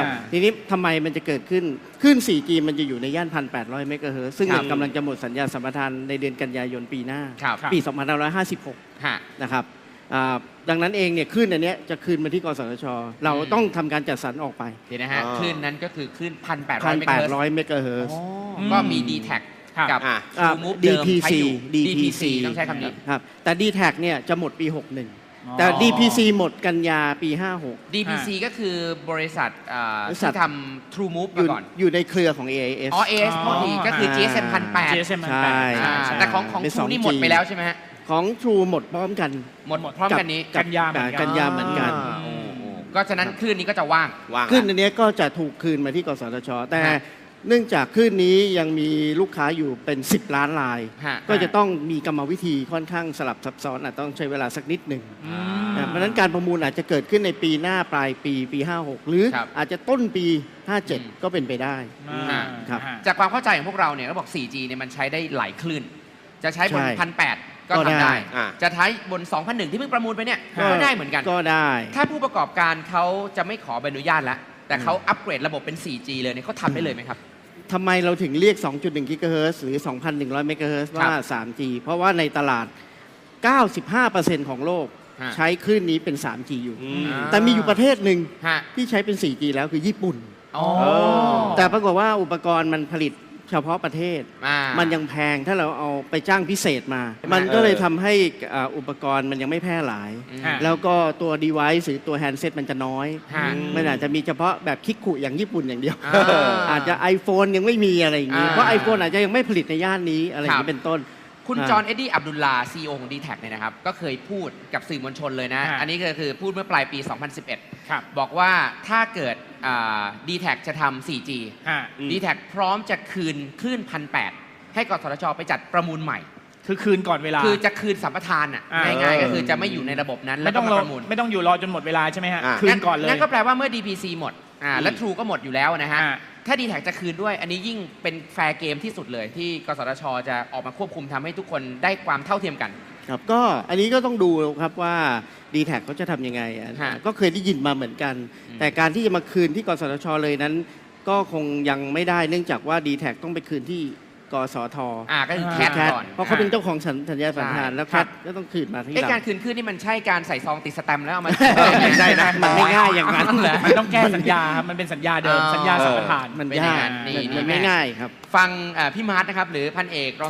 ทีนี้ทำไมมันจะเกิดขึ้นคลื่น 4G มันจะอยู่ในย่าน 1,800 เมกะเฮิรตซ์ซึ่งกำลังจะหมดสัญญาสัมปทานในเดือนกันยายนปีหน้าปี 2556 นะครับดังนั้นเองเนี่ยคลื่นอันนี้จะคืนมาที่กสทช.เราต้องทำการจัดสรรออกไปเดี๋ยวนะฮะคลื่นนั้นก็คือคลื่น 1,800 เมกะเฮิรตซ์ก็มี D-Tag กับ TrueMove เดิมใช้อยู่ DPC ต้องใช้คำนี้ครับแต่ D-Tag เนี่ยจะหมดปี 61แต่ DPC หมมดกันยาปี 56 DPC ก็คือบริษัทที่ทำ TrueMove มาก่อนอยู่ในเครือของ AIS AIS พอดีก็คือ GSM 1,800 ใช่แต่ของ True นี่หมดไปแล้วใช่ไหมฮะของ True หมดพร้อมกันหมดพร้อมกันนี้กันยาเหมือนกันก็ฉะนั้นคลื่นนี้ก็จะว่างคลื่นอันนี้ก็จะถูกคืนมาที่กสทช.แต่เนื่องจากคลื่นนี้ยังมีลูกค้าอยู่เป็น10 ล้านรายก็จะต้องมีกรรมวิธีค่อนข้างสลับซับซ้อนอาจต้องใช้เวลาสักนิดหนึ่งเพราะฉะนั้นการประมูลอาจจะเกิดขึ้นในปีหน้าปลายปี 56 หรืออาจจะต้นปี 57 ก็เป็นไปได้ครับจากความเข้าใจของพวกเราเนี่ยเราบอก 4G เนี่ยมันใช้ได้หลายคลื่นจะใช้บน 1,800 ก็ทำได้จะใช้บน 2,100 ที่เพิ่งประมูลไปเนี่ยก็ได้เหมือนกันก็ได้ถ้าผู้ประกอบการเขาจะไม่ขอใบอนุญาตแล้วแต่เขาอัปเกรดระบบเป็น 4G เลยเนี่ยเขาทำได้เลยไหมครับทำไมเราถึงเรียก 2.1 กิกะเฮิรตซ์หรือ 2,100 เมกะเฮิรตซ์ว่า 3G เพราะว่าในตลาด 95% ของโลกใช้คลื่นนี้เป็น 3G อยู่แต่มีอยู่ประเทศหนึ่งที่ใช้เป็น 4G แล้วคือญี่ปุ่นแต่ปรากฏว่าอุปกรณ์มันผลิตเฉพาะประเทศมันยังแพงถ้าเราเอาไปจ้างพิเศษมามันก็เลยทำให้อุปกรณ์มันยังไม่แพร่หลายแล้วก็ตัว device หรือตัว handset มันจะน้อยมันอาจจะมีเฉพาะแบบคิกคุอย่างญี่ปุ่นอย่างเดียวอาจจะ iPhone ยังไม่มีอะไรอย่างนี้เพราะ iPhone อาจจะยังไม่ผลิตในย่านนี้อะไรอย่างนี้เป็นต้นคุณจอห์นเอ็ดดี้อับดุลลา CEO ของ D-Tag เนี่ยนะครับก็เคยพูดกับสื่อมวลชนเลยนะอันนี้ก็คือพูดเมื่อปลายปี 2011 บอกว่าถ้าเกิดD-Tag จะทำ 4G D-Tag พร้อมจะคืนคลื่น 1,800 ให้กสทช.ไปจัดประมูลใหม่คือคืนก่อนเวลาคือจะคืนสัมปทานง่ายๆก็คือจะไม่อยู่ในระบบนั้นแล้วก็ประมูลไม่ต้องอยู่รอจนหมดเวลาใช่ไหมฮะคืนก่อนเลยงั้นก็แปลว่าเมื่อ DPC หมดและ True ก็หมดอยู่แล้วนะฮะถ้า D-Tag จะคืนด้วยอันนี้ยิ่งเป็นแฟร์เกมที่สุดเลยที่กสทช.จะออกมาควบคุมทำให้ทุกคนได้ความเท่าเทียมกันครับก็อันนี้ก็ต้องดูครับว่า D-Tag เขาจะทำยังไงก็เคยได้ยินมาเหมือนกันแต่การที่จะมาคืนที่กสทช.เลยนั้นก็คงยังไม่ได้เนื่องจากว่า D-Tag ต้องไปคืนที่กสท. ก็คือแคทก่อนเพราะเขาเป็นเจ้าของสัญญาสัมปทานแล้วแคทก็ต้องคืนมาที่เราการคืนคลื่นนี่มันใช่การใส่ซองติดสแตมป์แล้วเอามาไม่ใช่นะมันไม่ง่ายอย่างนั้นมันต้องแก้สัญญาครับมันเป็นสัญญาเดิมสัญญาสัมปทานมันยากมันไม่ง่ายครับฟังพี่มาร์ทนะครับหรือพันเอก